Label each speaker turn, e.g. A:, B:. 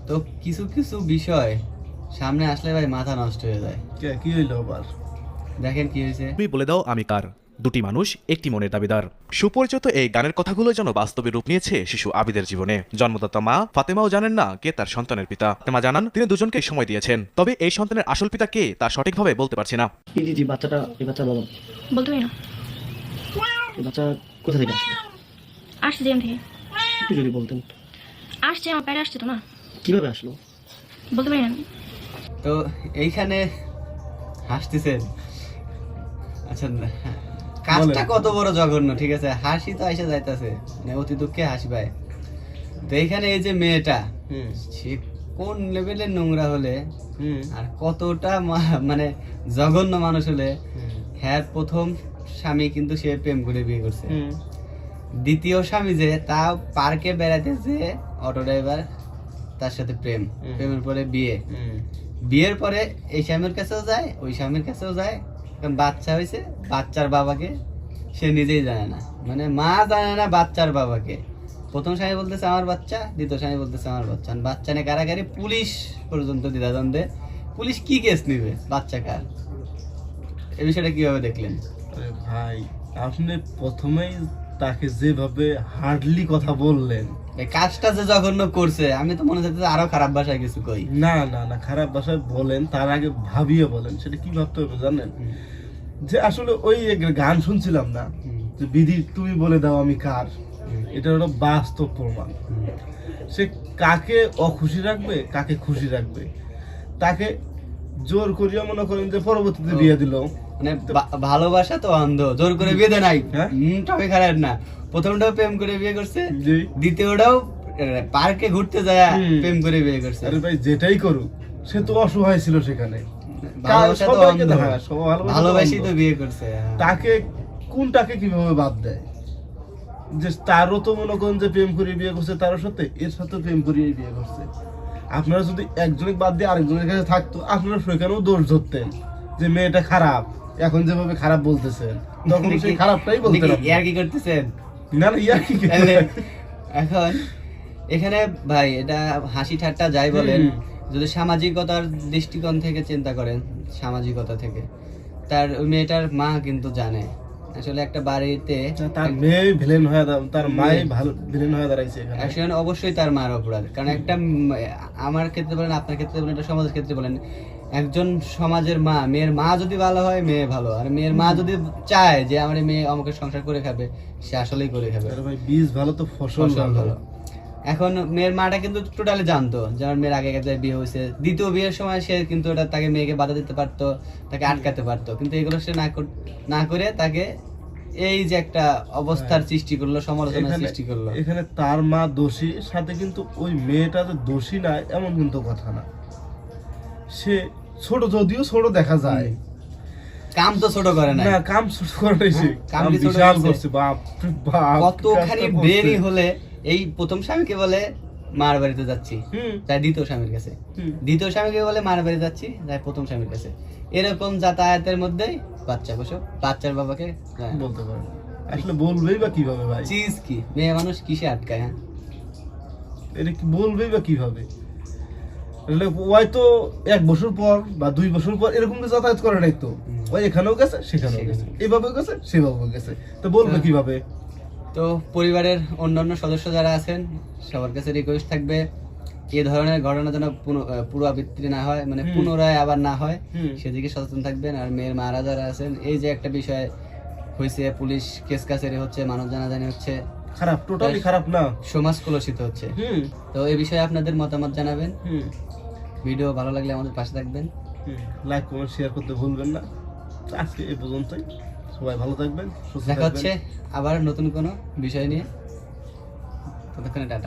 A: তো কিছু কিছু বিষয় সামনে আসলে ভাই মাথা নষ্ট হয়ে যায়।
B: কি হইলো আবার?
A: দেখেন কি হয়েছে।
C: তুমি বলে দাও আমি কার, দুটি মানুষ একটি মনের দাবিদার। সুপরিচিত এই গানের কথাগুলো যেন বাস্তবে রূপ নিয়েছে শিশু আবিদের জীবনে। জন্মদাতা মা ফাতেমাও জানেন না কে তার সন্তানের পিতা। ফাতেমা জানান তিনি দুজনকে সময় দিয়েছেন, তবে এই সন্তানের আসল পিতা কে তা সঠিকভাবে বলতে পারছি না।
D: জি বাচ্চাটা এই বাচ্চার বাবা
E: বলতে পারি না।
D: এই বাচ্চা কোথা থেকে আসলো?
E: আসছে জেম থেকে।
D: একটু যদি বলতেন।
E: আসছে আমার পেটে আসছে তো না,
D: কিভাবে আসলো?
E: বলতে পারি না।
A: তো এইখানে হাসতেছেন, আচ্ছা কাজটা কত বড় জঘন্য, ঠিক আছে, হাসি তো এসে যাইতেছে, মানে অতি দুঃখে হাসি পায়। তো এইখানে এই যে মেয়েটা, সে কোন লেভেলের নোংরা হলে আর কতটা মানে জঘন্য মানুষ হলে, হ্যাঁ প্রথম স্বামী কিন্তু সে প্রেম করে বিয়ে করছে, দ্বিতীয় স্বামী যে তা পার্কে বেড়াতে যে অটো ড্রাইভার, তার সাথে প্রেমের পরে বিয়ের পরে এই স্বামীর কাছেও যায়, ওই স্বামীর কাছেও যায়, কারণ বাচ্চা হয়েছে, বাচ্চার বাবাকে সে নিজেই জানে না, মানে মা জানে না বাচ্চার বাবাকে। প্রথম স্বামী বলতেছে আমার বাচ্চা, দ্বিতীয় স্বামী বলতেছে আমার বাচ্চা, বাচ্চা নিয়ে কারাগারি, পুলিশ পর্যন্ত দ্বিধাদ্বন্দ্বে। পুলিশ কি কেস নিবে, বাচ্চা কার? এই বিষয়টা কিভাবে দেখলেন?
B: আরে ভাই, আপনি প্রথমেই তাকে যেভাবে হার্ডলি কথা বললেন,
A: এই কাজটা যে জঘন্য করছে, আমি তো মনে হচ্ছে আরো খারাপ ভাষায় কিছু কই।
B: না না না, খারাপ ভাষায় বলেন, তার আগে ভাবিয়ে বলেন। সেটা কি ভাবতে হবে জানেন? যে আসলে ওই গান শুনছিলাম না, যে বিধি তুমি বলে দাও আমি কার, এটা হলো বাস্তব প্রমাণ। সে কাকে অখুশি রাখবে, কাকে খুশি রাখবে, তাকে জোর করিয়া মনে করেন যে পরবর্তীতে বিয়ে দিল।
A: মানে ভালোবাসা তো অন্ধ, জোর করে বিয়ে দেয় নাই,
B: হ্যাঁ?
A: তবে খারাপ না। প্রথমটাও প্রেম করে বিয়ে করছে,
B: জি।
A: দ্বিতীয়টাও পার্কে ঘুরতে যায় প্রেম করে বিয়ে করছে।
B: আরে ভাই, যেটাই করুক, সে তো অসহায় ছিল সেখানে।
A: ভালোবাসা তো
B: সবাইকে
A: অন্ধ,
B: দেখা,
A: ভালোবাসি তো বিয়ে করছে।
B: তাকে কোনটাকে কিভাবে বাদ দেয়? যে তারও তো মনে করেন যে প্রেম করে বিয়ে করছে, তারও সাথে এর সাথে প্রেম করিয়ে বিয়ে করছে। আপনারা যদি একজনের বাদ দিয়ে আরেকজনের কাছে থাকতো, আপনারা সেখানেও দোষ ধরতেন যে মেয়েটা খারাপ। এখন যেভাবে খারাপ বলতেছেন, তখন সেই খারাপটাই বলতেন।
A: ইয়ার কি করতেছেন?
B: না না, ইয়ার কি?
A: এখন এখানে ভাই এটা হাসি ঠাট্টা যাই বলেন, যদি সামাজিকতার দৃষ্টিকোণ থেকে চিন্তা করেন, সামাজিকতা থেকে, তার ওই মেয়েটার মা কিন্তু জানে আসলে একটা বাড়িতে
B: তার মেয়ে ভিলেন হয়ে, তার মাই ভালো ভিলেন হয়ে দাঁড়াইছে এখানে।
A: এখন অবশ্যই তার মার অপরাধ, কারণ একটা আমার ক্ষেত্রে বলেন, আপনার ক্ষেত্রে বলেন, এটা সমাজের ক্ষেত্রে বলেন, একজন সমাজের মা, মেয়ের মা যদি ভালো হয় মেয়ে ভালো, আর মেয়ের মা যদি চায় যে আমার মেয়ে আমাকে সংসার করে খাবে, সে আসলেই করে খাবে।
B: আরে ভাই, বীজ ভালো তো ফসল ভালো।
A: এখন মেয়ের মাটা কিন্তু টোটালি জানতো যে আমার মেয়ের আগে কাছে বিয়ে হয়েছে, দ্বিতীয় বিয়ের সময় সে কিন্তু ওটা তাকে মেয়েকে বাধা দিতে পারতো, তাকে আটকাতে পারতো, কিন্তু এগুলো সে না করে তাকে এই যে একটা অবস্থার সৃষ্টি করলো, সমালোচনার সৃষ্টি করলো।
B: এখানে তার মা দোষী, সাথে কিন্তু ওই মেয়েটা যে দোষী না এমন কিন্তু কথা না। সে ছোট, যদিও ছোট দেখা যায়,
A: কাম তো ছোট করে না,
B: কাম ছোট করে নাই, সে
A: কাম
B: কাম
A: ছোট
B: বিশাল
A: করছে।
B: করছে। বাপ রে বাপ,
A: কতখানি বেরি হলে এই প্রথম স্বামীকে বলে মার বাড়িতে যাচ্ছি, তাই দ্বিতীয় স্বামীর কাছে, দ্বিতীয় স্বামীকে বলে মার বাড়ি যাচ্ছি, তাই প্রথম স্বামীর কাছে, এরকম যাতায়াতের মধ্যেই বাচ্চা বসো, বাচ্চার বাবাকে
B: বলতে পারে। আসলে বলবেই বা কিভাবে ভাই?
A: চিজ কি মেয়ে মানুষ কিসে আটকায়? হ্যাঁ,
B: এটা কি বলবেই বা কিভাবে? হয়তো 1 বছর পর বা 2 বছর পর এরকম যাতায়াত করে নাই তো, ওই এখানেও গেছে, সেখানেও গেছে, এভাবেও গেছে, সেভাবেও গেছে, তো বলবে কিভাবে?
A: তো পরিবারের অন্যান্য সদস্য যারা আছেন সবার কাছে রিকোয়েস্ট থাকবে, এই ধরনের ঘটনা যেন পুনরাবৃত্তি না হয়, মানে পুনরায় আবার না হয়, সেদিকে সচেতন থাকবেন। আর মেয়ের মারা যারা আছেন, এই যে একটা বিষয় হয়েছে, পুলিশ কেস কাছারি হচ্ছে, মানুষ জানাজানি হচ্ছে,
B: খারাপ, টোটালি খারাপ না,
A: সমাজ কলুষিত হচ্ছে। তো এই বিষয়ে আপনাদের মতামত জানাবেন। ভিডিও ভালো লাগলে আমাদের পাশে থাকবেন,
B: লাইক কমেন্ট শেয়ার করতে ভুলবেন না। আজকে এই পর্যন্তই, সবাই ভালো থাকবেন, সুস্থ
A: দেখা
B: থাকবেন।
A: হচ্ছে আবার নতুন কোনো বিষয় নিয়ে, ততক্ষণে টাটা।